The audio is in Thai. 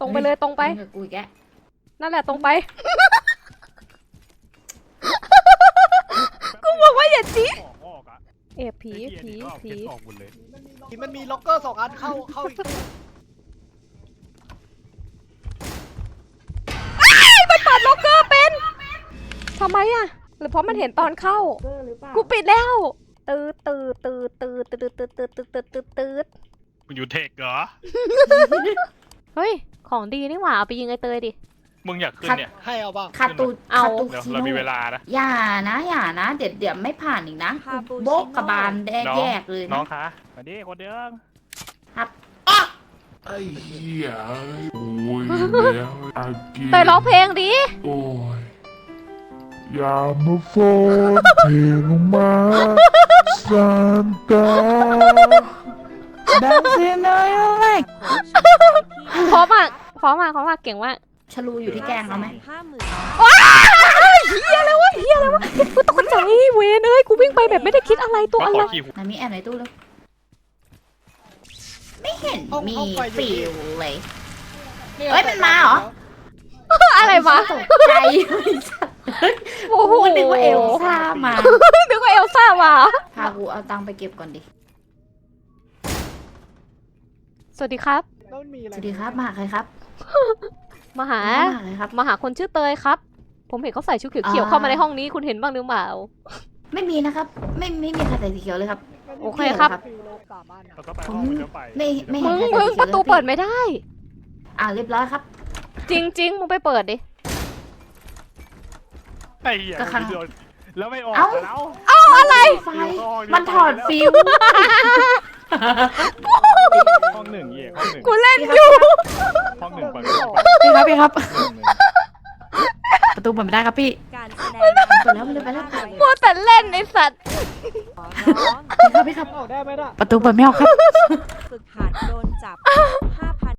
รงไปเลยตรงไปมึงกับกูอีกแกนั่นแหละตรงไป กูบอกว่าอย่าจี้ออกอะเอะผีไอ้เหี้ยผีนี่ก็เอาผีเก็บออกหมดเลยมันมีล็อกเกอร์2 อันเข้าอีกตู้มันเปิดล็อกเกอร์เป็นทำไมอะหรือเพราะมันเห็นตอนเข้า กูปิดแล้วตืดตืดตืดตืดตืดตืดตืดตืดตืดตืดตืดมึงอยู่เทคเหรอเฮ้ยของดีนี่หว่าเอาไปยิงไอ้เตยดิมึงอยากขึ้นเนี่ยให้เอาบ้างคาตูเอาคาตูเดี๋ยวชิเรามีโน่เวลานะอย่านะเดี๋ยวไม่ผ่านอีกนะกูโบกกระบาลแยกเลยน้อนะงคะมาดิคนเดิมครับอ๊ะไอ้เหี้ยโอ้ยแล้วอากินเตยร้องเพลงดิโอ้ยอย่ามาฟ้อนเพลงมาซานตาดังเสียหน่อยเลยพร้อมมากพร้อมมากพร้อมมากเก่งมากชะลูอยู่ที่แกงเขาไหมว้ายเฮียแล้ววะเฮียแล้ววะกูตกใจเวนเอ้ยกูวิ่งไปแบบไม่ได้คิดอะไรตัวมาอะขไรอขี่หัวไหนมีแอบในตู้เลยไม่เห็นมีฟิลเลย เฮ้ยมันมาเหรออะไรวะตกใจโอ้โหกูนึกว่าเอลซ่ามานึกว่าเอลซ่ามาพากูเอาตังค์ไปเก็บก่อนดิสวัสดีครับแล้วมันมีอะไรสวัสดีครับ มาหาใครครับมาหามาหาใครครับมาหาคนชื่อเตยครับ ผมเห็นเขาใส่ชุดเขียวๆเข้ามาในห้องนี้คุณเห็นบ้างหรือเปล่าไม่มีนะครับ ไม่มีใครใส่สีเขียวเลยครับโอเคครับฟิลโลก3 อันแล้วก็ไปห้องมันก็ไปไม่มึเห็นงใครใส่มึงสีขียวประตูลยเปิดไม่ได้เรียบร้อยครับจริงๆมึงไปเปิดดิไอ้เหี้ยก็ครั้งโดนแล้วไม่ออกเอ้าแล้วอะไรไฟมันถอดฟิวห้องหนึ่งเหี้ยห้องหนึ่งกูเล่นอยู่ห้องหนึ่งเปิดพี่ครับหนึ่งประตูเปิดไม่ได้ครับพี่การแสดงเปิดแล้วไปแล้วมัวแต่เล่นไอสัตว์ขอร้องพี่ครับออกได้ไหมล่ะประตูเปิดไม่ออกครับฝึกหัดโดนจับ ภาพ